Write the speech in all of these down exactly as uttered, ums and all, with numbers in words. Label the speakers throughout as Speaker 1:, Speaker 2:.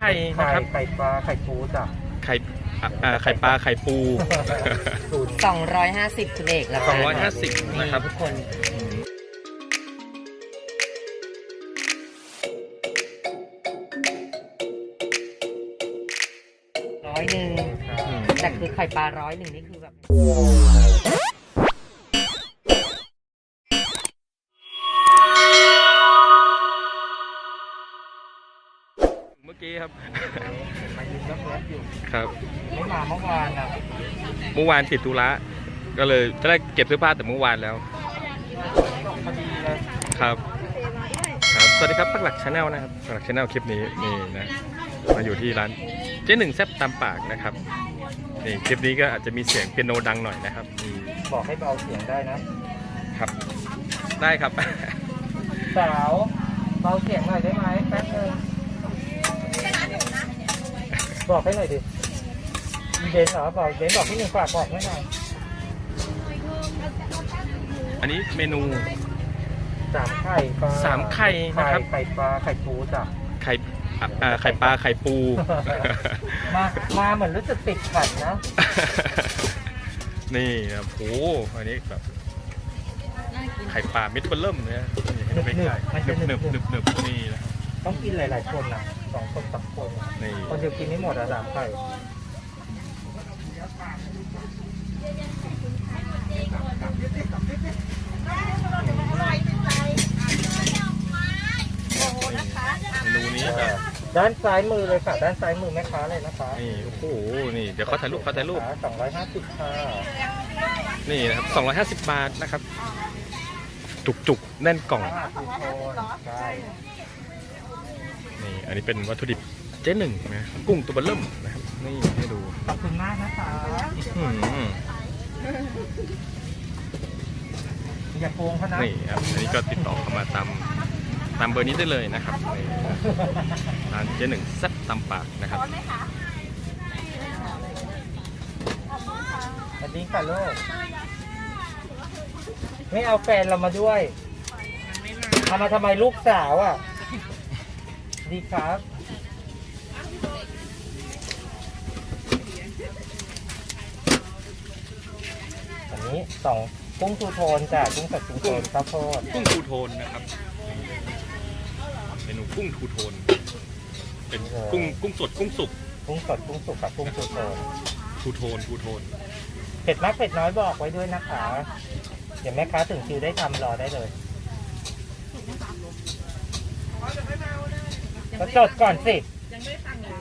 Speaker 1: ข่นะครับ
Speaker 2: ไข่ปลาไข่ปูจ้ะ
Speaker 1: ไข่อ่าไข่ปลาไข่ปู
Speaker 3: สองร้อยห้าสิบคุณเอกแล้ว
Speaker 1: สองร้อยห้าสิบนะครับ
Speaker 3: ทุกคนร้อยหนึ่งแต่คือไข่ปลาร้อยหนึ่งนี่คือแบบ
Speaker 1: เมื่อกี้ครับ
Speaker 2: มายืนรับรถอยู่
Speaker 1: ครับ
Speaker 2: ไม่มาเมื่อวานนะ
Speaker 1: เมื่อวานติดธุระก็เลยจะได้เก็บเสื้อผ้าแต่เมื่อวานแล้วครับครับสวัสดีครับปักหลักชาแนลนะครับปักหลักชาแนลคลิปนี้นี่นะมาอยู่ที่ร้านเจ๊หนึ่งแซ่บตามปากนะครับนี่คลิปนี้ก็อาจจะมีเสียงเปียโนดังหน่อยนะครับ
Speaker 2: บอกให้เบาเสียงได้นะครับ
Speaker 1: ได้ครับ
Speaker 2: สาวเบาเสียงหน่อยได้ไหมแป๊บนึงบอกให้หน่อยดิเบนเหรอบอกเบนบอกพี่หนึ่งฝากบอกให้หน่อย
Speaker 1: อันนี้เมนู
Speaker 2: สามไข่ปลา
Speaker 1: สามไข่นะครับ
Speaker 2: ไข่ปลาไข่ปูจ้ะ
Speaker 1: ไข่อ่าไข่ปลาไข่ปู
Speaker 2: มามาเหมือนรู้สึกติดขัดนะ
Speaker 1: นี่ครับโอ้อันนี้แบบไข่ปลาเม็ดเบลเริ่มเนี่ยไม่ใช่หนึบหนึบหนึบหนึบนี่นะครับ
Speaker 2: ต้องกินหลายๆคนนะสองคนสามคนคนเดียวกินไม่หมดอะสามไข่
Speaker 1: เมนูนี้แบบ
Speaker 2: ด้านซ้ายมือเลยค่ะด้านซ้ายมือแม่ค้าเลยนะคะ
Speaker 1: นี่โอ้โหนี่เดี๋ยวเขาถ่ายรูปเขาถ่ายรูป
Speaker 2: สองร้อยห้าสิบค่ะ
Speaker 1: นี่นะครับสองร้อยห้าสิบบาทนะครับจุกจุกแน่นกล่องนี่อันนี้เป็นวัตถุดิบเจ๊หนึ่งนะกุ้งตัวเบลเริ่มนะครับนี่ให้ดู
Speaker 2: ขอบคุณมากนะคะอย่าโกงเขานะ
Speaker 1: นี่ครับอันนี้ก็ติดต่อเข้ามาตามตามเบอร์นี้ได้เลยนะครับร้านเจ๊หนึ่งแซ่บตามปากนะครับ
Speaker 2: สวัสดีค่ะลูกไม่เอาแฟนเรามาด้วยเอามาทำไมลูกสาวอ่ะดีครับอันนี้สองกุ้งทูโทนจ้ะกุ้งสดทูโทนข้าวโพด
Speaker 1: กุ้งทูโทนนะครับเมนูกุ้งทูโทนเป็นกุ้งกุ้งสดกุ้งสุก
Speaker 2: กุ้งสดกุ้งสุกกับกุ้งทูโทน
Speaker 1: ทูโทนทูโทน
Speaker 2: เผ็ดมากเผ็ดน้อยบอกไว้ด้วยนะคะเดี๋ยวแม่ค้าถึงคิวได้ทำรอได้เลยก็จดก่อนสิยังไม่สั่งเลย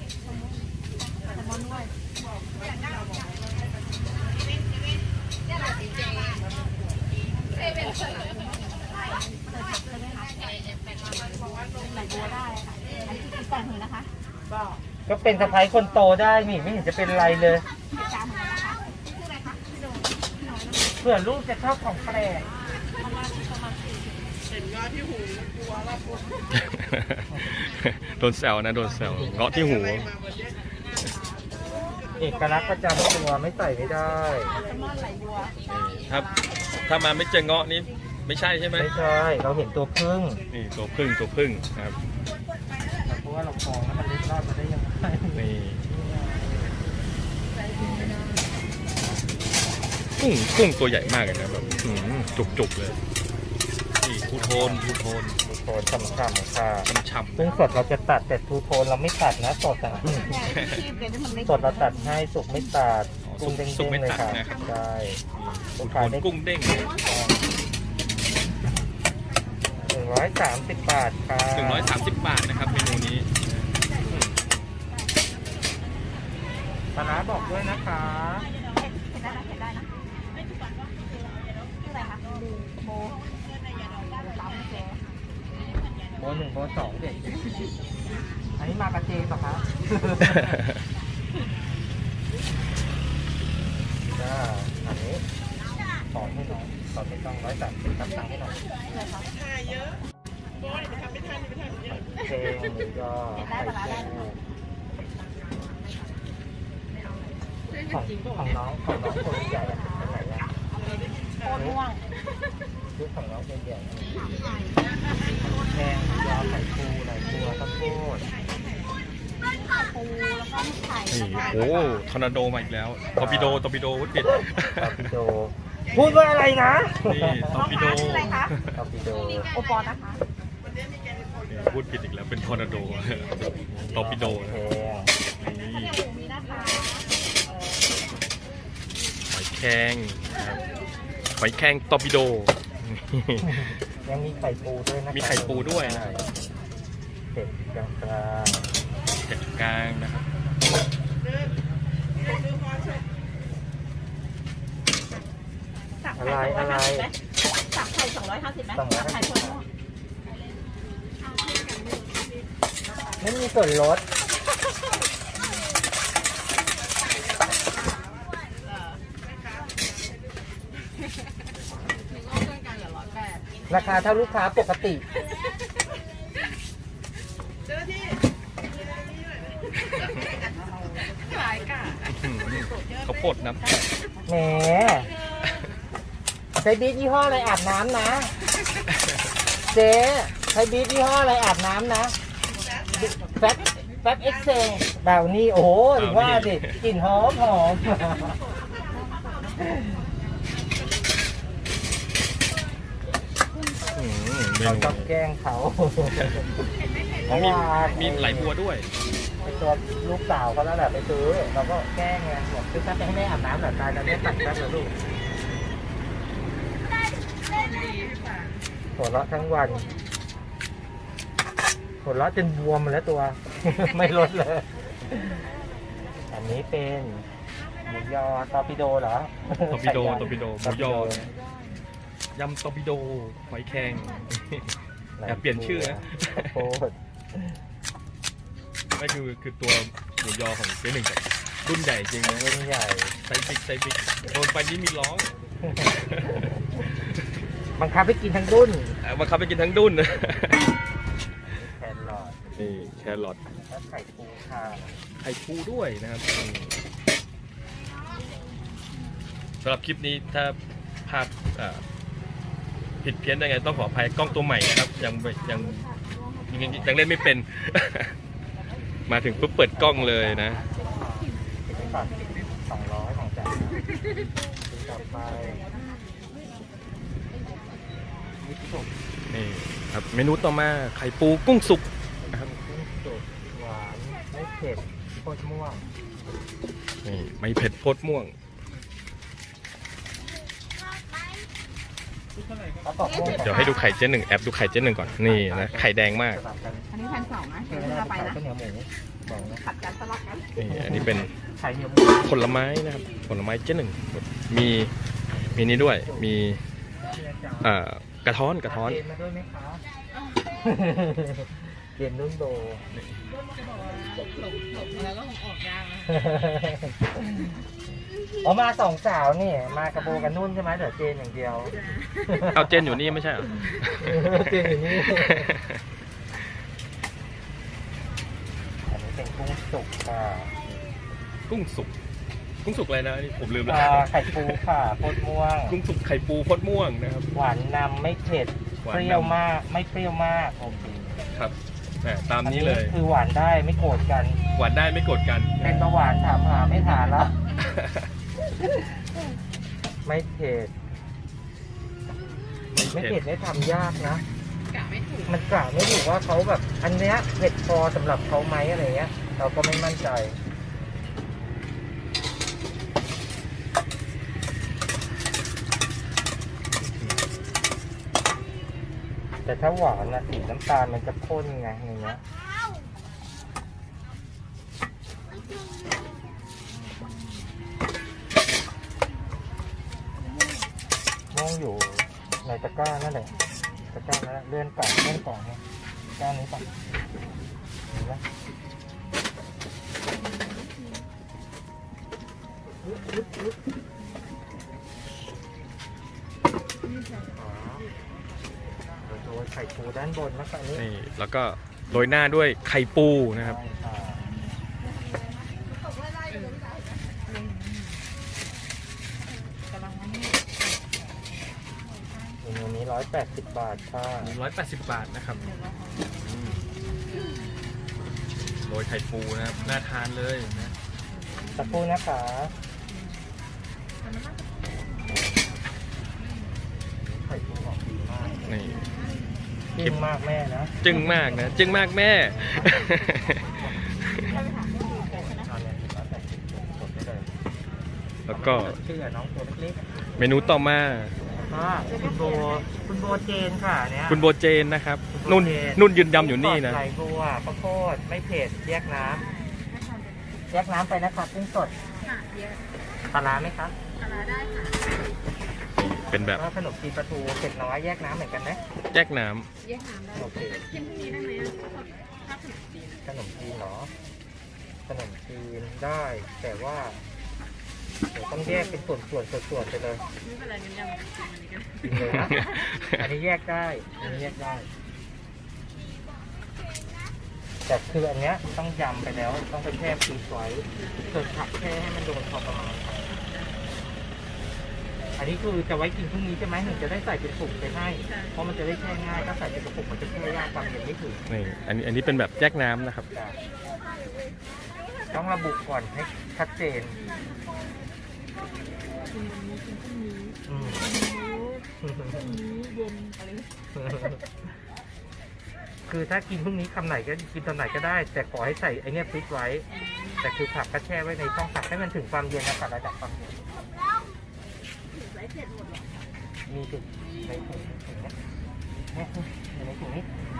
Speaker 2: ก็เป็นสะพ้ายคนโตได้นี่ไม่เห็นจะเป็นไรเลยเพื่อลูกจะชอบของแปลกเห็นเงาะที่หูกลัวละ
Speaker 1: โดนแซวนะโดนแซวเงาะที่หู
Speaker 2: เอกลักษณ์ประจำตัวไม่ใส่ไม่ได้
Speaker 1: ครับถ้ามาไม่เจอเงาะนี้ไม่ใช่ใช่ไหม
Speaker 2: ไม่ใช่เราเห็นตัวพึ่ง
Speaker 1: นี่ตัวพึ่งตัวพึ่งครับ
Speaker 2: เพราะว่าเราฟองแล้วมันเล็ดรอดมาได้ยังไง
Speaker 1: นี่กุ้งกุ้งตัวใหญ่มากเลยนะแบบจุกๆเลยนี่ทูโทนทูโทน
Speaker 2: ทูโทนช่ำๆค่ะ
Speaker 1: ช่ำๆ
Speaker 2: กุ้งสดเราจะตัดแต่ทูโทนเราไม่ตัดนะสดอ่ะสดเราตัดให้สุกไม่ตัดกุ้งเด้งๆเลยค่ะใช่
Speaker 1: ทูโทนกุ้งเด้ง
Speaker 2: หนึ่งร้อยสามสิบบาทค่ะ
Speaker 1: หนึ่งร้อยสามสิบบาทนะครับเมนูนี้
Speaker 2: ปลาร้าบอกด้วยนะคะโบหนึ่งโบสองเด็กอันนี้มากระเจป่ะคะจ้าอันนี้สอนให้น้องสอนไม่ต้องร้อยสามสิบตั้งตังให้น้องถ่ายเยอะโบยไปทำไม่ทันไปทำเยอะเจงหรือยอไข่เจงของของน้องของน้องคนใหญ่อะเป็นไหนอะโคตรม่วงชุดของน้องใหญ่ๆแกงยอไข่ปูไหลบัวข้าวโพด
Speaker 1: นี่โอ้ทอร์นาโดมาอีกแล้วตอร์ปิโดตอร์ปิโดพูดผิด
Speaker 2: ตอร์ปิโดพูดว่าอะไรนะ
Speaker 1: นี่ตอร์ปิโด
Speaker 2: ตอร์ปิโด
Speaker 3: โอปอนะคะ
Speaker 1: นี่พูดผิดอีกแล้วเป็นทอร์นาโดตอร์ปิโด
Speaker 2: แพ
Speaker 1: นะ
Speaker 2: ง
Speaker 1: นี่หอยแครงนะครับหอยแครงตอร์ปิโด
Speaker 2: ยังมีไข่ปูด้วยนะ
Speaker 1: มีไข่ปูด้วยนะ
Speaker 2: เผ็ดกลางกลาง
Speaker 1: เผ็ดกลางนะครับ
Speaker 2: อะไรอะไร
Speaker 3: สับไข่สองร้อยห้าสิบไหม
Speaker 2: สองร้อย
Speaker 3: สับ
Speaker 2: ห้า
Speaker 3: ไข่
Speaker 2: สิบ
Speaker 3: ทั่ว
Speaker 2: ไม่มีส่วนลดราคาเท่าลูกค้าปกติ
Speaker 3: ขายกะ
Speaker 1: เขาวโพดน้ำ
Speaker 2: แหมใช้บีทยี่ห้ออะไรอาบน้ำนะ เจ๊ใช้บีทยี่ห้ออะไรอาบน้ำนะแฟบแฟบเอ็กเซลดาวนี่โอ้โหถึงว่าดิกลิ่นหอมหอม
Speaker 1: อืมเม
Speaker 2: เรา
Speaker 1: นู
Speaker 2: ชอบแกล้งเขา
Speaker 1: อ๋อมีมีไหลบัวด้วย
Speaker 2: ไอตัวลูกสาวเขาแล้วแหละไปซื้อเราก็แกล้งไงบอกซื้อแป๊บไปให้แม่อาบน้ำหน่อยตายแล้วแม่ตัดแป๊บเลยลูกหัวเราะทั้งวันหัวเราะจนบวมหมดแล้วตัว ไม่ลดเลย อันนี้เป็นหมูยอตอร์ปิโดเหรอ
Speaker 1: ตอร์ปิโดตอร์ปิโดหมูยอยำตอร์ปิโดหอยแครง อย่าเปลี่ยนชื่อนะ
Speaker 2: ข้าวโพด
Speaker 1: ไม่คือคือตัวหมูยอของเจ๊หนึ่งแบบรุ่นใหญ่จริงนะ
Speaker 2: รุ่นใหญ่
Speaker 1: ไซส์บิ๊กไซส์บิ๊กโดนไปนี่มีร้อง
Speaker 2: บังคับให้กินทั้งรุ่น
Speaker 1: เอามาขับไปกินทั้งดุ้น
Speaker 2: แครอท
Speaker 1: นี่แครอท
Speaker 2: และไข่ปูค่ะ
Speaker 1: ไข่ปูด้วยนะครับอืมสำหรับคลิปนี้ถ้าภาพอ่าผิดเพี้ยนยังไงต้องขออภัยกล้องตัวใหม่นะครับ ยังไม่ยังยังยังเล่นไม่เป็น มาถึงปุ๊บเปิดกล้องเลยนะ
Speaker 2: ติดไปก่อนสองร้อยของจ๋าต่อไปมิตสุก
Speaker 1: นี่ครับเมนูต่อมาไข่ปูกุ้งสุกนะครับ
Speaker 2: กุ้งสุกหวานไม่เผ็ดโคตรม่วง
Speaker 1: นี่ไม่เผ็ดโพดม่วง
Speaker 2: แล้วก็ม่วง
Speaker 1: เดี๋ยวให้ดูไข่เจ๊หนึ่งแอปดูไข่เจ๊หนึ่งก่อนนี่นะไข่แดงมาก
Speaker 2: สลับกัน
Speaker 3: อันนี้พันสองนะ
Speaker 2: เอ
Speaker 3: เดี๋ยว
Speaker 2: อ
Speaker 3: เราไป
Speaker 2: ข้าว
Speaker 3: นะ
Speaker 2: เหนียวหมูบอกนะ
Speaker 3: ผัดกันสลับกัน
Speaker 1: นี่อันนี้เป็น
Speaker 2: ไข่เหนียวหมู
Speaker 1: ผลไม้นะครับผลไม้เจ๊หนึ่งมีมีนี้ด้วยมีเอ่อกระท้อนกระท้อน
Speaker 2: เรียนมาด้วยไหมคะเรียนนุ่นโด
Speaker 3: แล้วก็ออกยางนะ
Speaker 2: อ๋อมาสองสาวนี่มากระโบกันนุ่นใช่ไหมเดี๋ยวเจนอย่างเดียว
Speaker 1: เอาเจนอยู่นี่ไม่ใช่เหรอ
Speaker 2: เจนอยู่นี่อันนี้เป็นกุ้งสุกค่ะ
Speaker 1: กุ้งสุกกุ้งสุกอะไรนะนี่ผมลืมแล้ว
Speaker 2: อ่าไข่ปูค่ะโคตรม่วง
Speaker 1: กุ้งสุกไข่ปูพดม่วงนะครับ
Speaker 2: หวานนำไม่เผ็ด
Speaker 1: หวาน
Speaker 2: เป
Speaker 1: นำ
Speaker 2: รี้ยวมากไม่เปรี้ยวมากโอเค
Speaker 1: ครับแหมตามนี้เลย
Speaker 2: อัคือหวานได้ไม่โกรธกัน
Speaker 1: หวานได้ไม่โกรธกัน
Speaker 2: เป็นเบาหวานถามหาไม่ทานแล้ว ไม่เผ็ดไม่เผ็ดไม่ทำยากนะ
Speaker 3: กะไม่ถูก
Speaker 2: มันกล่าวไม่ถูกว่าเขาแบบ อันเนี้ยเผ็ดพอสำหรับเขาไหมอะไรเงี้ย เราก็ไม่มั่นใจ แต่ถ้าหวานนะสีน้ำตาลมันจะข้นไงอย่างเงี้ยมองอยู่ในตะกร้านั่นแหละตะกร้านั่นแหละเลื่อนกล่องเลื่อนกล่องเนี่ยตะกร้านี้ก่อนเห็นไหมอึ๊บอึ๊บอึ๊บอ๋อเดี๋ยวโรยไข่ปูด้านบนแล้วก็อันนี้
Speaker 1: นี่แล้วก็โรยหน้าด้วยไข่ปูนะครับ
Speaker 2: ใช่ค่ะเมนูนี้ร้อยแปดสิบบาทค่ะ
Speaker 1: หนึ่งร้อยแปดสิบบาทนะครับอืมโรยไข่ปูนะครับน่าทานเลยนะ
Speaker 2: สักครู่นะคะไข่ปูออกดีมาก
Speaker 1: นี่
Speaker 2: จึ้งมากแม่นะ
Speaker 1: จึ้งมากนะจึ้งมากแม่ แล้วก็
Speaker 2: ชื่อน้องตัวเล็ก
Speaker 1: เมนูต่อมา
Speaker 2: ๆค่ะคุณโบคุณโบเจนค่ะเนี่ย
Speaker 1: คุณโบเจนนะครับ
Speaker 2: คุณโบ
Speaker 1: นุ่น
Speaker 2: เจน
Speaker 1: นุ่นยืนยำอยู่นี่นะ
Speaker 2: ไหลบัวข้าวโพดไม่เผ็ดแยกน้ำแยกน้ำไปนะครับกุ้งสดปลาร้าไหมครับ
Speaker 1: เป็นแบบ
Speaker 2: แล้วขนมจีนปลาทูเผ็ดน้อยแยกน้ำเหมือนกันไหม
Speaker 1: แยกน้
Speaker 4: แยกน้ำได้
Speaker 2: โอเค
Speaker 4: กินพรุ่งนี้ได้ไหมอะถ้าขนมจีน
Speaker 2: ขนมจีนเหรอขนมจีนได้ แต่ว่าเดี๋ยวต้องแยกเป็นส่วนส่วนส่วนส่วนๆไปเลย
Speaker 4: ไม่เป็นไรงั้นยำกินอันนี้กัน
Speaker 2: กินเลยนะ อันนี้แยกได้ อันนี้แยกได้ แต่คืออันเนี้ยต้องยำไปแล้ว ต้องไปแช่ฟรีซไว้ส่วนผักแช่ให้มันโดนพอประมาณ อันนี้คือจะไว้กินพรุ่งนี้ใช่ไหมหนึ่งจะได้ใส่เป็นปุกไปให้ เพราะมันจะได้แช่ง่าย ถ้าใส่เป็นกระปุกมันจะแช่ยากความเย็นไม่ถึง
Speaker 1: ำนี่อันนี้อันนี้เป็นแบบแยกน้ำนะครับ
Speaker 2: ต้องระบุก่อนให้ชัดเจน
Speaker 4: กินวันนี้กินพรุ่งนี้
Speaker 2: อืม
Speaker 4: พรุ่งนี้เย็นอะไรอย่างเงี้ย
Speaker 2: คือถ้ากินพรุ่งนี้คำไหนก็กินตอนไหนก็ได้ แต่ขอให้ใส่ไอเนี้ยฟรีซไว้ แต่คือผักก็แช่ไว้ในช่องผักให้มันถึงความเย็นนะครับระดับความเย็น
Speaker 4: ไร้เผ็ดหมดหรอ
Speaker 2: มีถึงในถุงถุงเนี้ยเนี่ยอยู่ในถุงนี้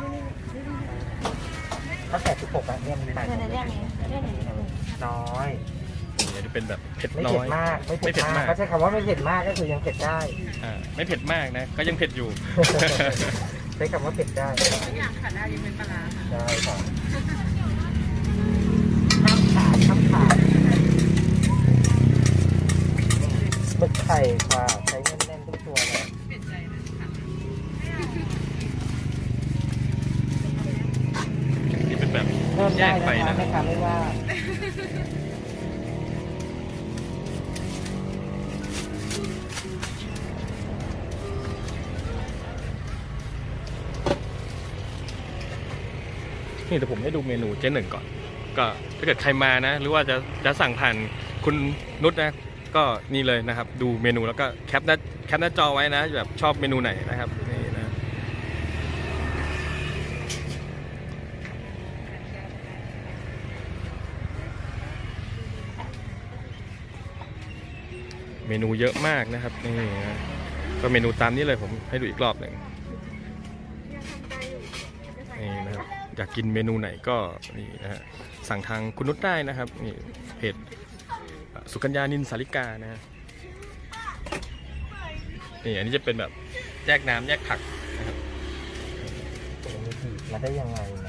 Speaker 2: ถ้าแต่สิบหกอะเนี่ยมีหลายถุงน้อย
Speaker 1: นี่อันนี้เป็นแบบเผ็ด
Speaker 2: ไม่
Speaker 1: น้
Speaker 2: เผ็
Speaker 1: อ
Speaker 2: ด
Speaker 1: ย
Speaker 2: มาก ไม่เผ็ด
Speaker 1: ไม่เผ็ด
Speaker 2: มาม
Speaker 1: าก ก
Speaker 2: เขาใช้คำว่าไม่เผ็ดมากก็คือยังเผ็ดได้
Speaker 1: อ่าไม่เผ็ดมากนะ ก็ยังเผ็ดอยู่
Speaker 2: ใช้คำว่าเผ็ดได้
Speaker 4: ทุกอย่างขาดได้ยังเป็นปลาร้าค่ะ
Speaker 2: ได้ค่ะข้ามขาดข้ามขาดหมึกไข่ค่ะใช้แน่นๆทุกตัวเลย
Speaker 4: เปลี่ยนใจนะค่ะ
Speaker 1: นี่เป็นแบบ
Speaker 2: เริ่ม
Speaker 1: แย
Speaker 2: ได้
Speaker 1: ก
Speaker 2: นะ
Speaker 1: ไป
Speaker 2: คะ
Speaker 1: นะ
Speaker 2: แม่ค้าไม่ว่า
Speaker 1: นี่เดี๋ยวผมให้ดูเมนูเจ๊หนึ่งก่อน ก็ถ้าเกิดใครมานะ หรือว่าจะจะสั่งผ่านคุณนุชนะ ก็นี่เลยนะครับ ดูเมนูแล้วก็แคปหน้าแคปหน้าจอไว้นะแบบชอบเมนูไหนนะครับนี่นะเมนูเยอะมากนะครับนี่นะก็เมนูตามนี้เลยผมให้ดูอีกรอบหนึ่งนี่นะครับอยากกินเมนูไหนก็นี่นะฮะสั่งทางคุณนุชได้นะครับนี่เพจสุกัญญานินสาริกานะฮะนี่อันนี้จะเป็นแบบแยกน้ำแยกผักนะครับ
Speaker 2: มีผีมาได้ยังไงเนี่ย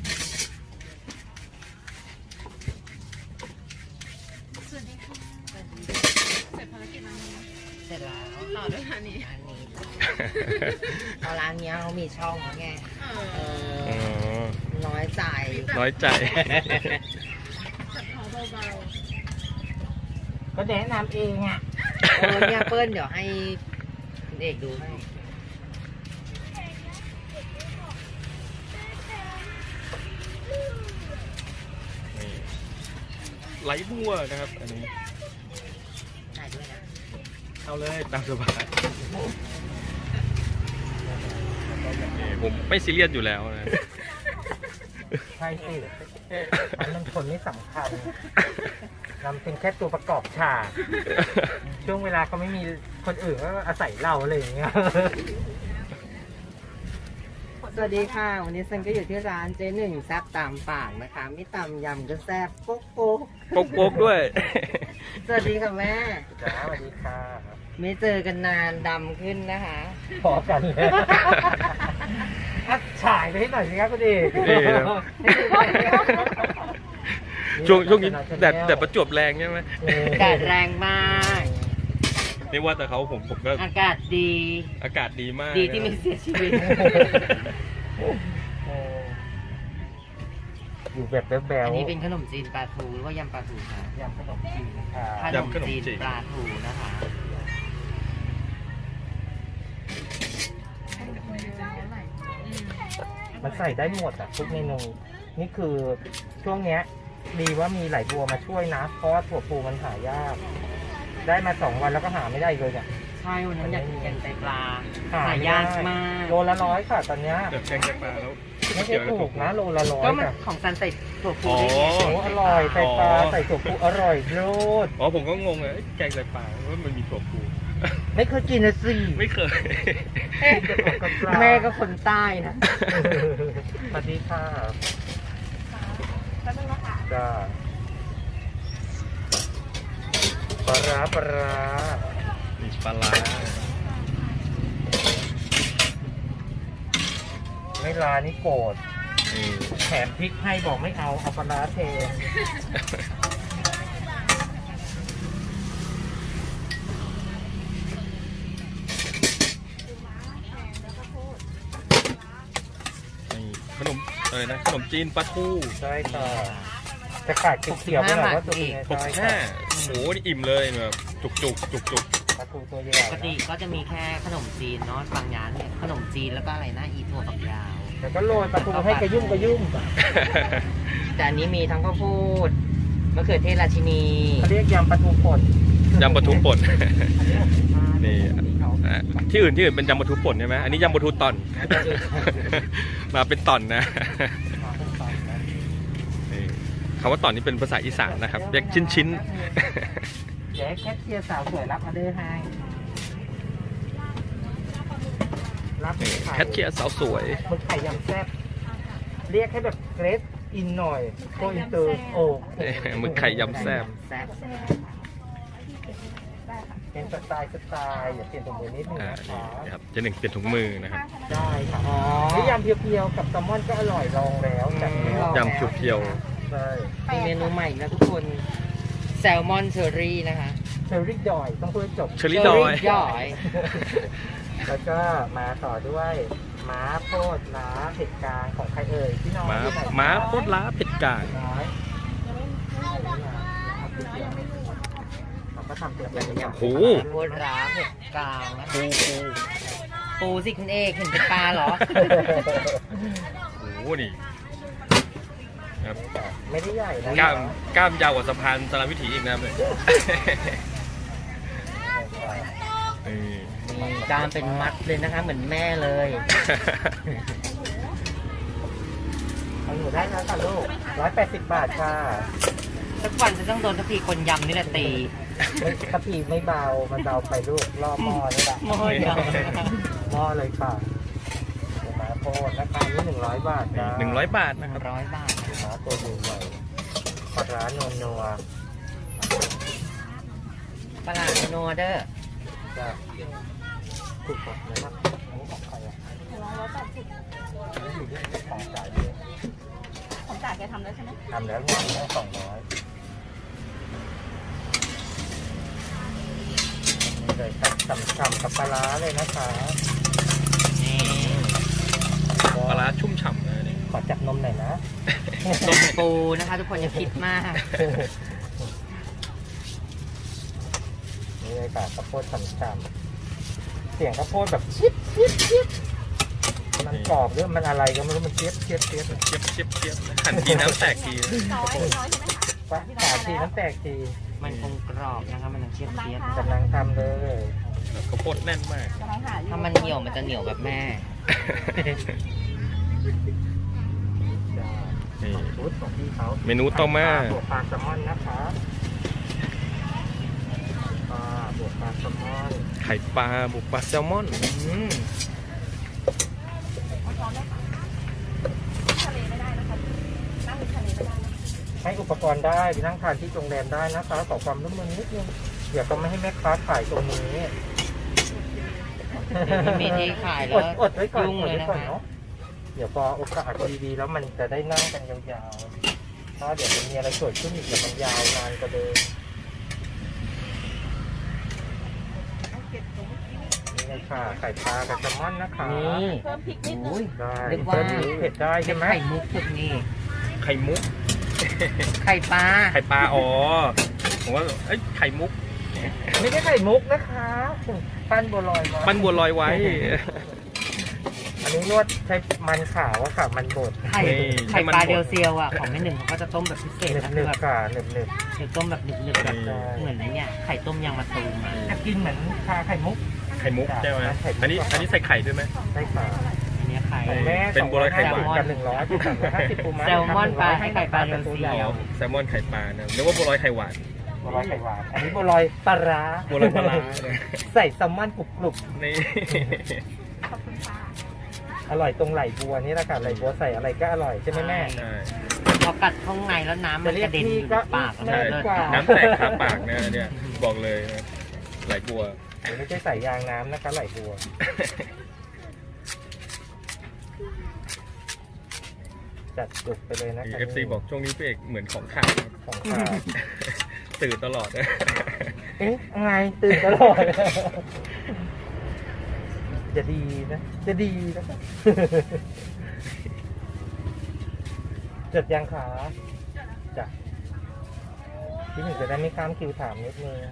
Speaker 4: สวัสดีค่ะเสร็จภารกิจแล้วนะ
Speaker 3: เสร็จแล้ว
Speaker 4: ต่อด้วยอันนี้
Speaker 3: อันนี้เพราะร้านเนี้ยเขามีช่องแล้วไง
Speaker 4: เอ
Speaker 3: เอ
Speaker 4: อ
Speaker 1: อ๋อ
Speaker 3: อ น้อยใจ
Speaker 1: น้อยใจ
Speaker 4: จัดเขาเบา
Speaker 2: ก็แนะนำเองอ่ะ
Speaker 3: เออเนี่ยเปิ้ลเดี๋ยวให้คุณเอกดูให้
Speaker 1: นี่ไหลบัวนะครับอันนี้
Speaker 3: ถ่ายด้วยนะ
Speaker 1: เอาเลยตามสบายนี่ผมไม่ซีเรียสอยู่แล้วนะ
Speaker 2: ใช่สิอันนั้นคนไม่สำคัญนำเป็นแค่ตัวประกอบฉาก ช่วงเวลาเขาไม่มีคนอื่นก็อาศัยเราอะไรอย่างเงี้ย
Speaker 3: สวัสดีค่ะ วันนี้เซนก็อยู่ที่ร้านเจ๊หนึ่งแซ่บตามปากนะคะไม่ตำยำก็แซ่บโป๊กโป๊ก
Speaker 1: โป๊กโป๊กด้วย
Speaker 3: สวัสดีค่ะแม่
Speaker 2: จ้าสวัสดีค่ะ
Speaker 3: ไม่เจอกันนานดำขึ้นนะคะ
Speaker 2: พอกันเลยอ่ะฉายไปให้หน่อยสิครับคุณเอก
Speaker 1: นี่ครับ ช่วงช่วงนี้แดดแดดประจวบแรงใช่ไหม
Speaker 3: แดดแรงมาก
Speaker 1: ไม่ว่าแต่เขาผมผมก็
Speaker 3: อากาศดี
Speaker 1: อากาศดีมาก
Speaker 3: ดีที่ไม่เสียชีวิต
Speaker 2: เอออยู่แบบแบ๊ว
Speaker 3: อันนี้เป็นขนมจีนปลาทูหรือว่ายำปลาทูคะ
Speaker 2: ยำขนมจีนค่ะ
Speaker 3: ขนมจีนปลาทูนะคะ
Speaker 4: ๆเท่าไหร่อืม
Speaker 2: มันใส่ได้หมดอ่ะทุกเมนูนี่คือช่วงเนี้ยดีว่ามีไหลบัวมาช่วยนะ เพราะว่าถั่วพูมันหายาก ได้มาสองวันแล้วก็หาไม่ได้เลยเนี่ย
Speaker 3: ใช่วันนั้นอยากกินแกงไตปลา
Speaker 2: หา
Speaker 3: หา
Speaker 2: ไม่
Speaker 3: ยาก
Speaker 2: ได้
Speaker 3: มาก
Speaker 2: โลละร้อยค่ะตอนเนี้ย
Speaker 1: เดี๋ยวแกงจะปลาแล้ว
Speaker 2: ไม่ใช่ถูกนะโลละร้อย
Speaker 3: ก็มัน
Speaker 2: ค่ะ
Speaker 3: ของซันใส่ถั่วพู
Speaker 1: อ๋อ
Speaker 3: ได้ไง
Speaker 2: โอ้อร่อยใส่ปลาใส่ถั่วพูอร่อยโลด
Speaker 1: อ๋อผมก็งงเลยเอ้ยแกงจะปลาว่ามันมีถั่วพู
Speaker 2: ไม่เคยกินนะสิ
Speaker 1: ไม่เคย
Speaker 3: แม่ก็คนใต้นะ
Speaker 2: สวัสดีค่ะ
Speaker 4: แป๊บนึงนะคะ
Speaker 2: จ้าปลาร้าปลาร้า
Speaker 1: มีปลาร้า
Speaker 2: ไม่ลานี่โกรธ
Speaker 1: นี่
Speaker 2: แถมพริกให้บอกไม่เอาเอาปลาร้าเท
Speaker 1: นี่ขนมอะไรนะขนมจีนปลาทู
Speaker 2: ใช่ค่ะจะขาดเขียวๆไปหน่อยว่าตัวเป็นไง
Speaker 1: หก
Speaker 2: ใช่
Speaker 1: สิบห้า
Speaker 2: ค่ะ
Speaker 1: โอ้โหนี่อิ่มเลยแบบจุกจุกจุกจุก
Speaker 2: ปลาทูตัวใหญ่
Speaker 3: ปกติก็จะมีแค่ขนมจีนเนาะบางร้านเนี่ยขนมจีนแล้วก็อะไรนะอีถั่วฝักยาว
Speaker 2: แต่ก็โรยปลาทูให้กระยุ่มกระยุ่ม
Speaker 3: แต่อันนี้มีทั้งข้าวโพดมะเขือเทศราชินี
Speaker 2: เขาเรียกยำปลาทูป่น
Speaker 1: ยำปลาทูป่น นี่อ่ะที่อื่นที่อื่นเป็นยำปลาทูป่นใช่ไหมอันนี้ยำปลาทูตอน มาเป็นตอนนะนี่คำว่าตอนนี้เป็นภาษาอีสานนะครับเรียกชิ้นชิ้น
Speaker 2: เดี๋ยวให้แคทเชียร์สาวสวยรับออเดอร์ให้รับ
Speaker 1: นี่
Speaker 2: ไข่
Speaker 1: แคทเชียร์สาวสวย
Speaker 2: หมึกไข่ยำแซ่บเรียกให้แบบเกรดอินหน่อยโกอินเตอร์โอ้โห
Speaker 1: หมึกไข่ยำแซ่บ
Speaker 3: แซ่บ
Speaker 2: เป็นสไตล์สไตล์อย่าเปลี่ยนตรงมือนิดนึง
Speaker 1: อ่า
Speaker 2: นะคะ
Speaker 1: นี่นะครับเจะหนึ่งเปลี่ยนถุงมือนะครับ
Speaker 2: ได้ค่ะ
Speaker 3: อ๋อ
Speaker 2: นี่ยำเพียวๆกับแซลมอนก็อร่อยลองแล้วจัดแล้ว
Speaker 1: ยำเพียว
Speaker 2: ใช่
Speaker 3: มีเมนูใหม่อีกแล้วทุกคนแซลมอนเชอรี่นะคะ
Speaker 2: เชอรี่ดอยต้องพูดให้จบ
Speaker 1: ๆเชอรี่ดอย
Speaker 3: ย่อย
Speaker 2: แล้วก็มาต่อด้วยม้าโพดล้าเผ็ดกลางของใครเอ่ยพี่น้อง
Speaker 1: ม้า
Speaker 2: ที่ไหน
Speaker 1: ม้าโคตรล้าเผ็ดกลาง
Speaker 2: น้อยเราก็ทำเตรียมไปอย่าง
Speaker 1: โอ้โห
Speaker 3: โคตรร้าเผ็ดกลางนะ
Speaker 1: ปูปู
Speaker 3: ปูสิคุณเอกเห็นเป็นปลาเหรอ
Speaker 1: โอ้โหนี่ครับ
Speaker 2: ไม่ได้ใหญ่นะ
Speaker 1: กล้ามกล้ามยาวกว่าสะพานสารวิถีอีกนะครับเลยนี่
Speaker 3: มีกล้ามเป็นมัดเลยนะคะ เหมือนแม่เลย
Speaker 2: เอาหนูได้แล้วค่ะลูกร้อยแปดสิบบาทค่ะ
Speaker 3: สักวันจะต้องโดนทัพพีคนยำนี่แหละตี
Speaker 2: ไม่กะปิไม่เบา มันเบาไปลูกรอบหม้อนี่แหละ
Speaker 3: หม้อยำ
Speaker 2: หม้อเลยค่ะเดี๋ยวมาโพดราคานี้หนึ่งร้อยบาทจ้า
Speaker 1: หนึ่งร้อยบาท
Speaker 3: ห
Speaker 1: นะ
Speaker 3: นึ่
Speaker 1: ค
Speaker 3: ง
Speaker 1: รับ
Speaker 3: ร้อยบาท
Speaker 2: หาตัวดูใหม่ปลาร้านัวนัว
Speaker 3: ปลาหลาดโนเดอร์
Speaker 2: ๆจ้ะถูกกว่านะครับอันนี้ของใครอ่ะ
Speaker 4: ร้อยแปดสิบ
Speaker 2: อันนี้อยู่ที่ของจ่ายเยอะ
Speaker 4: ของจ่ายแกทำแล้วใช่ไหม
Speaker 2: ทำแล้วเนี่ยได้สองร้อยนี่เลยครับฉ่ำๆกับปลาร้าเลยนะคะ
Speaker 3: นี่
Speaker 1: ปลาร้าชุ่มฉ่ำนะนี่
Speaker 2: ขอจับนมหน่อยนะ
Speaker 3: นมปูนะคะ ทุกคนอย่าคิดมาก
Speaker 2: นี่เลยค่ะข้าวโพดฉ่ำๆเสียงข้าวโพดแบบชิบชิบชิบมันกรอบหรือมันอะไรก็ไม่รู้มันเชียบเชียบเชียบ
Speaker 1: เชียบเชียบเชียบหั่นทีน้ำแตกทีนะ
Speaker 4: น้อยน้อยใช่ไหม
Speaker 2: ปะขาทีน้ำแตกที
Speaker 3: มันคงกรอบนะคะ มันยังเชียบเชียบ
Speaker 2: กำลังทำเลย
Speaker 1: แบบข้าวโพดแน่นมาก
Speaker 4: กำลังหาอยู่
Speaker 3: ถ้ามันเหนียวมันจะเหนียวแบบแม่
Speaker 2: จ้า
Speaker 1: นี่
Speaker 2: ชุดของพี่เขา
Speaker 1: เมนูต่อมา
Speaker 2: บวกปลาแซลมอนนะคะปลาบวกปลาแซลมอน
Speaker 1: ไข่ปลาบุกปลาแซลมอน
Speaker 2: อืม
Speaker 4: เอาช้อนได้ค่ะทะเลไม่ได้นะคะนั่งทะเลไม่ได้นะ
Speaker 2: ให้อุปกรณ์ได้ไปนั่งทานที่โรงแรมได้นะคะขอความร่วมมือนิดนึงเดี๋ยวก็ไม่ให้แม่ค้าขายตรงนี้
Speaker 3: ไม่มีที่ขายแล้ว
Speaker 2: อดอดไว้ก่อน
Speaker 3: ยุ่ง
Speaker 2: อด
Speaker 3: เลย
Speaker 2: ไว้
Speaker 3: นะ
Speaker 2: ก่อน
Speaker 3: คะ
Speaker 2: เนาะเดี๋ยวพอโอกาสดีๆแล้วมันจะได้นั่งกันยาวๆถ้าเดี๋ยวมันมีอะไรเกิดขึ้นอีกเดี๋ยวมันยาวนานกว่าเดิมนี่เลยค่ะไข่ปลากับแซลมอนนะคะ
Speaker 3: นี่
Speaker 4: เพิ่มพริกนิดนึ
Speaker 3: โอ้
Speaker 4: ง
Speaker 3: ย
Speaker 2: ได้
Speaker 3: นึกว่า
Speaker 2: เพิ่มเผ็ดได้ใช่ไหม
Speaker 3: ไข่มุกสุดนี่
Speaker 1: ไข่มุก
Speaker 3: ไข่ปลา
Speaker 1: ไข่ปลาอ๋อผมว่าเอ้ยไข่มุก
Speaker 2: ไม่ได้ไข่มุกนะคะปั้นบัวลอยมา
Speaker 1: ปั้นบัวลอยไว้
Speaker 2: อันนนี้นวดใช้มันขาวอะค่ะมันบด
Speaker 3: ไข่ไข่ปลาเดียวเซียวอ่ะของแม่หนึ่งเขาก็จะต้มแบบพิเศษ
Speaker 2: หนึบ
Speaker 3: นะ
Speaker 2: หนึ
Speaker 3: คือบ แบบ
Speaker 2: ค่ะหนึบหนึบ
Speaker 3: คือต้มแบบหนึบๆแบบเหมือนไอ้เนี่ยไข่ต้มยางมะตูมอ่ะ
Speaker 2: จะกินเหมือนชาไข่มุก
Speaker 1: ไข่มุกใช่ไหม
Speaker 2: ไข่มุก
Speaker 1: อันนี้อันนี้ใส่ไข่ด้วยไหม
Speaker 2: ได้ค่ะ
Speaker 3: อันเนี้ยไข่
Speaker 2: ของแม่
Speaker 1: เป็นบัวลอยไข่หวาน
Speaker 2: กับหนึ่งร้อยเป็นสามร้อยห้าสิบปูม้า
Speaker 3: แซลมอนปลาให้ไข่ปลาเดียวเซียว
Speaker 1: อ๋อแซลมอนไข่ปลานะนึกว่าบัวลอยไข่หวาน
Speaker 2: บัวลอยไข่หวานอันนี้บัวลอยปลาร้า
Speaker 1: บัวลอยปลาร้านะ
Speaker 2: ใส่แซลมอนกรุบ
Speaker 1: นี่
Speaker 4: ขอบคุณค่ะ
Speaker 2: ๆอร่อยตรงไหลบัวนี่แหละค่ะไหลบัวใส่อะไรก็อร่อยใช่ไหมแม่
Speaker 1: ใช่
Speaker 3: พอกัดข้างในแล้วน้ำมันกระเด็นอยู่ในปากอะ
Speaker 2: ใช่
Speaker 3: มันเลิศ
Speaker 2: กว่า
Speaker 1: น้ำแตกคาปากนะเนี่ยบอกเลยนะไหลบัว
Speaker 2: เดี๋ยวไม่ใช่ใส่ยางน้ำนะคะไหลบัว จัดจุกไปเลยนะคะ
Speaker 1: เอฟซีบอกช่วงนี้พี่เอกเหมือนของขาด
Speaker 2: ของข้าว
Speaker 1: ตื่นตลอดนะ
Speaker 2: เอ๊ะไงตื่นตลอด จะดีนะ จะดีนะ จัดยังขาจ้ะพี่หนึ่งจะได้ไม่ข้ามคิวถามนิดนึง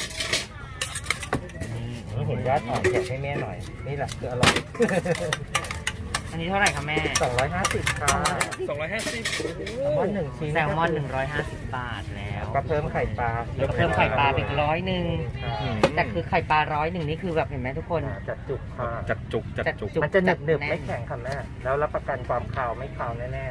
Speaker 2: นี่เห็นญาติอ่อนแจกให้แม่หน่อย นี่แหละคืออร่อย
Speaker 3: อันนี้เท่าไหร่คะแม่
Speaker 2: สองร้อยห้าสิบค่ะ
Speaker 1: สองร้อยห้าสิบ
Speaker 2: แซลมอนหนึ่งชิ้น
Speaker 3: แซลมอนหนึ่งร้อยห้าสิบบาทแล้ว
Speaker 2: ก็เพิ่มไข่ปลา
Speaker 3: แล้วก็เพิ่มไข่ปลาไปอีกร้อยหนึ่ง
Speaker 2: ค่ะ
Speaker 3: แต่คือไข่ปลาร้อยหนึ่งนี่คือแบบเห็นไหมทุกคน
Speaker 2: จัดจุกค่ะ
Speaker 1: จัดจุกจัดจุก
Speaker 3: จุก
Speaker 2: มันจะหนึบหนึบ
Speaker 3: จัดแน่น
Speaker 2: ไม่แข็งค่ะแม่แล้วรับประกันความขาวไม่ขาวแน่
Speaker 1: นี่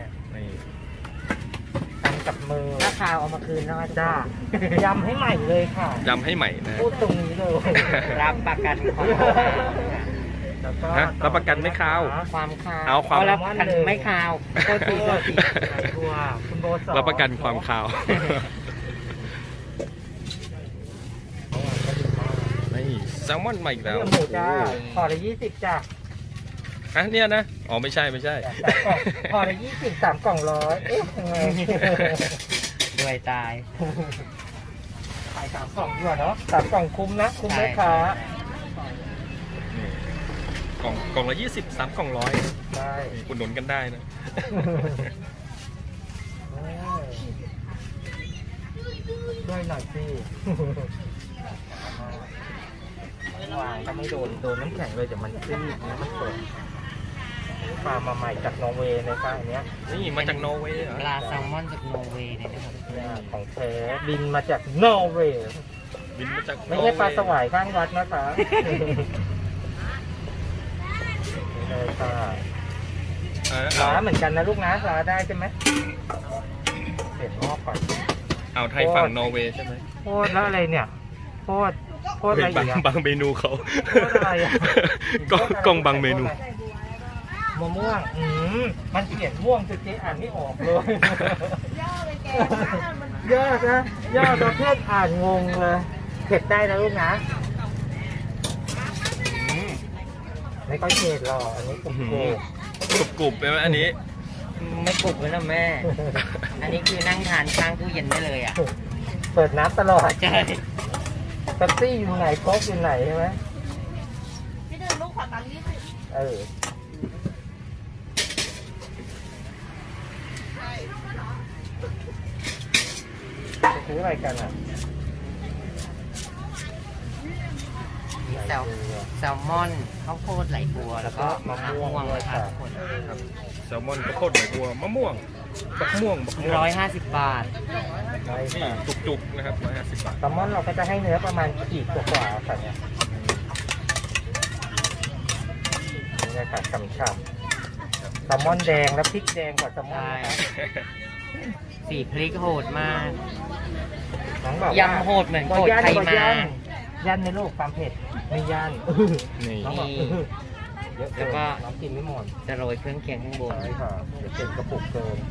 Speaker 2: ๆทำกับมือ
Speaker 3: ถ้าคาวเอามาคืนนะ
Speaker 2: จ้า ยำให้ใหม่เลยค่ะ
Speaker 1: ยำให้ใหม่นะ
Speaker 2: พูดตรงนี้เลย
Speaker 3: รับประกันความ
Speaker 2: แล้วก็
Speaker 1: ฮะรับประกันไม่ขาว
Speaker 3: ความคาว
Speaker 1: เอาความ
Speaker 3: รับประกันไม่คาวโทษทีโทษที
Speaker 2: ตัวคุณโบสอน
Speaker 1: รับประกันความขาวนี่แซลมอนใหม่อีกแล้ว
Speaker 2: เรื่องหมูจ้าพอละยี่สิบจ้า
Speaker 1: อ่ะเนี่ยนะอ๋อไม่ใช่ไม่ใช่
Speaker 2: สามกล่องพอละยี่สิบสามกล่องร้อยเอ๊ะยังไง
Speaker 3: ด้วยตาย
Speaker 2: ขายสามกล่องดีกว่าเนาะสามกล่องคุ้มนะคุ้มไหมคะ
Speaker 1: นี่กล่องกล่องละยี่สิบสามกล่องร้อย
Speaker 2: ใช่
Speaker 1: นี่อุดหนุนกันได้นะ
Speaker 2: ช่วยหน่อยสิวางก็ไม่โดน โดนน้ำแข็งเลยเดี๋ยวมันซีดนะมันเปิดปลามาใหม่จากนอร์เวย์เลยป้าอันเนี้ย
Speaker 1: นี่มาจากนอร์เวย์เหรอ
Speaker 3: ปลาแซลมอนจากนอร์เวย์เนี่ยนะครับ
Speaker 2: เนี่ยของแท้บินมาจากนอร์เวย์
Speaker 1: บินมาจาก
Speaker 2: ไม่ใช่ปลาสวายข้างวัดนะคะนี่เลยค่ะ
Speaker 1: เออ
Speaker 2: ร้า
Speaker 1: เอา
Speaker 2: เหมือนกันนะลูกนะร้าได้ใช่ไหมเปลี่ยนหม้อก่อน
Speaker 1: เอาไทยฝั่งนอร์เวย์ใช่ไหม
Speaker 2: โคตรแล้วอะไรเนี่ยโคตรโคตรอะไร
Speaker 1: บา
Speaker 2: อี
Speaker 1: ง
Speaker 2: กอะ
Speaker 1: บางเมนูเขา
Speaker 2: โคตรอะไรอะ
Speaker 1: กล้องกล้องบางเมนู
Speaker 2: มะม่วง อืมมันเขียนม่วงจนเจ๊อ่านไม่ออกเลย
Speaker 4: ย่อเลยแกมัน
Speaker 2: ยอดนะยอดประเภทอ่านงงเลยเผ็ดได้นะลูกนะ
Speaker 1: อืม
Speaker 2: ไม่ค่อยเผ็ดหรอกอันนี้กรุบ
Speaker 1: อื้อ
Speaker 2: โก
Speaker 1: หือ กรุบๆไปไหมอันนี้
Speaker 3: ไม่กรุบเลยนะแม่ อันนี้คือนั่งทานข้างตู้เย็นได้เลยอ่ะ
Speaker 2: เปิดน้ำตลอด
Speaker 3: ใช่
Speaker 2: เป๊ปซี่อยู่ไหนโค้กอยู่ไหนใช่ไหม
Speaker 4: พี่หนึ่งลูกขอตังค์ยี่สิบ
Speaker 2: เออจะซื้ออะไรกันอ่ะ
Speaker 3: มีแซลแซลมอนข้าวโพดไหลบัวแล้วก็มะม่วงนะคะทุกคน
Speaker 1: ครับแซลมอนข้าวโพดใบบัวมะม่วงบักม่วงบักม่วง
Speaker 3: ร้อยห้าสิบบาท
Speaker 2: ได้
Speaker 1: นี่
Speaker 2: ค่ะ
Speaker 1: จุกๆนะครับร้อยห้าสิบบาท
Speaker 2: แซลมอนเราก็จะให้เนื้อประมาณขีดกว่าๆค่ะเนี่ยนี่เลยค่ะฉ่ำๆแซลมอนแดงและพริกแดงกว่าแซลมอนนะคะ
Speaker 3: สีพริกโหดมาก
Speaker 2: น้องบอกว่าย
Speaker 3: ำโหดเหมือน
Speaker 2: บ่
Speaker 3: โกด
Speaker 2: ย่าน
Speaker 3: ไทย
Speaker 2: บ่
Speaker 3: มา
Speaker 2: ย่านย่านในลูกความเผ็ดไม่ย่าน
Speaker 1: นี่
Speaker 2: น้องบอก
Speaker 3: นี่
Speaker 2: เยอะเกิ
Speaker 3: แล้ว
Speaker 2: น
Speaker 3: ก็
Speaker 2: น้องกินไม่หมด
Speaker 3: จะโรยเครื่องเคียงข้างบน
Speaker 2: ใช่ค่ะเดี๋ยวเป็นกระปุกเกิน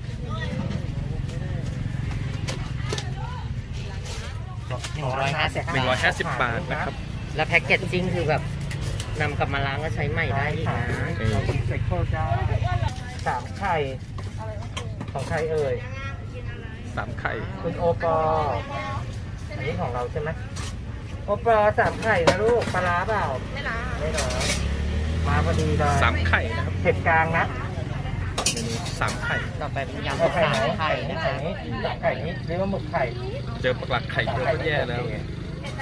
Speaker 3: หนึ่งร้อยห้าสิบ
Speaker 1: หนึ่งร้อยห้าสิบบาทนะครับ
Speaker 3: แล้วแพ็กเกจจิ้งคือแบบนำกลับมาล้างก็ใช้ใหม่ได้อีกนะ
Speaker 2: เรารีไซเคิลจ้าสามไข่ของใครเอ่ย
Speaker 1: สามไข่
Speaker 2: คุณโอปออันนี้ของเราใช่ไหมโอปอสามไข่นะลูกปลาร้าเปล่า
Speaker 4: ไม่ละ
Speaker 2: ไม่หรอมาพอดีเลย
Speaker 1: สามไข่นะครับ
Speaker 2: เผ็ดกลางนะ
Speaker 1: เมนูสามไข่
Speaker 3: ต่อไปเป็นยำ
Speaker 2: เอาไข่
Speaker 3: สา
Speaker 2: ไหน
Speaker 3: มไข่
Speaker 2: ไข่นี้
Speaker 3: นะ
Speaker 2: ไข่
Speaker 3: คะ
Speaker 2: นี้สามไข่นี้เรียกว่าหมึกไข่
Speaker 1: เจอปลักไข่เยอะก็แย่แล้ว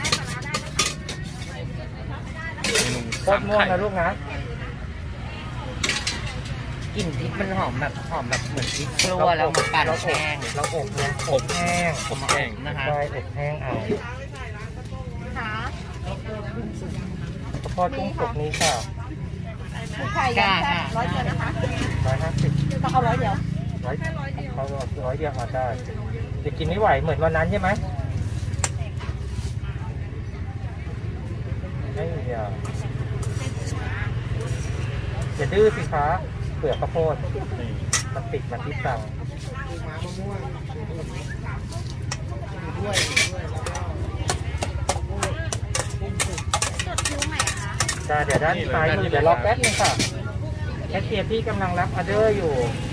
Speaker 1: เมนู
Speaker 2: โค
Speaker 1: สา
Speaker 2: ต
Speaker 1: ม
Speaker 2: รม่วง
Speaker 1: ไข่
Speaker 2: นะลูกนะ
Speaker 3: กลิ่นพริกมันหอมแบบหอมแบบเหมือนพริกกลัวแล้วมาปั่น
Speaker 2: เราอบ
Speaker 3: แห้ง
Speaker 2: เราอบนะอบแห้ง
Speaker 1: อบแห้ง
Speaker 3: นะคะ
Speaker 2: ใช่อบแห้งเอา
Speaker 4: ขา
Speaker 2: ข้าวโพดกุ้งสุกนี้ค่ะ
Speaker 4: ไข่ยังแซ่บร้อยเดียวนะคะ
Speaker 2: ร้อยห้าสิบ
Speaker 4: ต้องเอาร้อยเดียว
Speaker 2: ร้อยเขาร้อยเดียวมาได้จะกินไม่ไหวเหมือนวันนั้นใช่ไหมไม่มีอ่ะอย่าดื้อสิคะเปลือกข้าวโพด
Speaker 1: นี่
Speaker 2: มันติดมันที่สั่ง
Speaker 4: จดคิวใหม่คะ
Speaker 2: จ้าเดี๋ยวด้านซ้ายมือเดี๋ยวรอแป๊บนึงค่ะแคชเชียร์พี่กำลังรับออเดอร์อยู่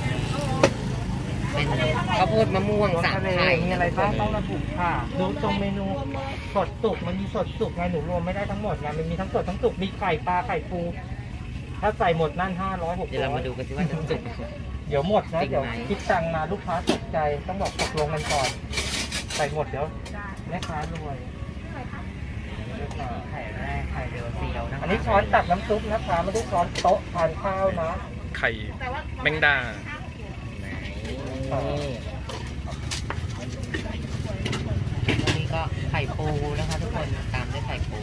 Speaker 3: เป็นข้าวโพดมะม่วง
Speaker 2: รส
Speaker 3: สาม
Speaker 2: ทะเล
Speaker 3: ไข่
Speaker 2: มีอะไรบ้างต้องระบุค่ะ ดูตรงเมนูสดสุกมันมีสดสุกไงหนูรวมไม่ได้ทั้งหมดไงมันมีทั้งสดทั้งสุกมีไข่ปลาไข่ปูถ้าใส่หมดนั่นห้าร้อยหก
Speaker 3: เดี๋ยว
Speaker 2: ร้
Speaker 3: เรา
Speaker 2: อ
Speaker 3: มาย ดูกันสิว่าจะสุก
Speaker 2: เดี๋ยวหมดนะ
Speaker 3: จริงไหม
Speaker 2: เดี๋ยวคิดตังค์มาลูกค้าตกใจต้องบอกตกลงกันก่อน ใส่หมดเดี๋ยวแม่ค้ารวย
Speaker 3: ไข่แรกไข่เดียวเซียวนะคะ
Speaker 2: อันนี้ช้อนตักน้ำซุปนะคะไม่ได้ช้อนโต๊ะทานข้าวนะ
Speaker 1: ไข่แมงดา
Speaker 3: นี่อันนี้ก็ไข่ปูนะคะทุกคนตามด้วยไข่ปู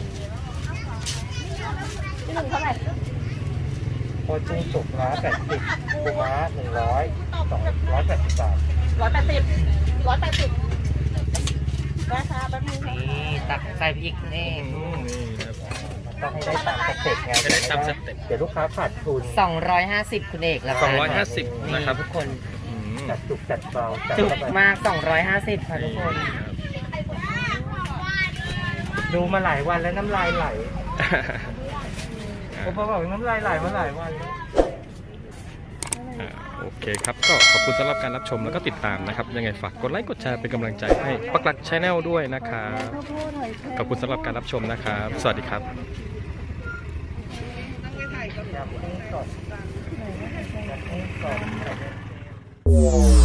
Speaker 4: ที่หนึ่งเท่าไหร่
Speaker 2: โคจูสุกร้อยแปดสิบปูม้าหนึ่งร้อยสองร้อยแปดสิบบาท
Speaker 4: ร้อยแปดสิบร้อยแปดสิบนะคะแป๊บนึงค่ะ
Speaker 3: นี่ตักใส่พริกนี่
Speaker 1: อืมนี่นะครับ
Speaker 2: ต้องให้ได้ตามสเต็ปไง
Speaker 1: ให้ได้ตามสเต็ป
Speaker 2: เดี๋ยวลูกค้าขาดทุน
Speaker 3: สองร้อยห้าสิบคุณเอกแล้ว
Speaker 1: สองร้อยห้าสิบนะครับ
Speaker 3: ทุกคน
Speaker 1: อืม
Speaker 2: จัดจุกจัดเบาจัด
Speaker 3: จุก
Speaker 2: เข้าไป
Speaker 3: มากสองร้อยห้าสิบค่ะทุกคน
Speaker 1: นี่ครับ
Speaker 2: ดูมาหลายวันแล้วน้ำลายไหล
Speaker 1: อ่า
Speaker 2: ผมบอกน้ำลายไหลมาหลายวันแล้ว
Speaker 1: อ่าโอเคครับก็ขอบคุณสำหรับการรับชมแล้วก็ติดตามนะครับ ยังไงฝากกดไลค์กดแชร์เป็นกำลังใจให้ปักหลักชาแนลด้วยนะครับขอบคุณสำหรับการรับชมนะครับ สวัสดีครับ
Speaker 2: อยากกุ้งสดอยากกุ้งสด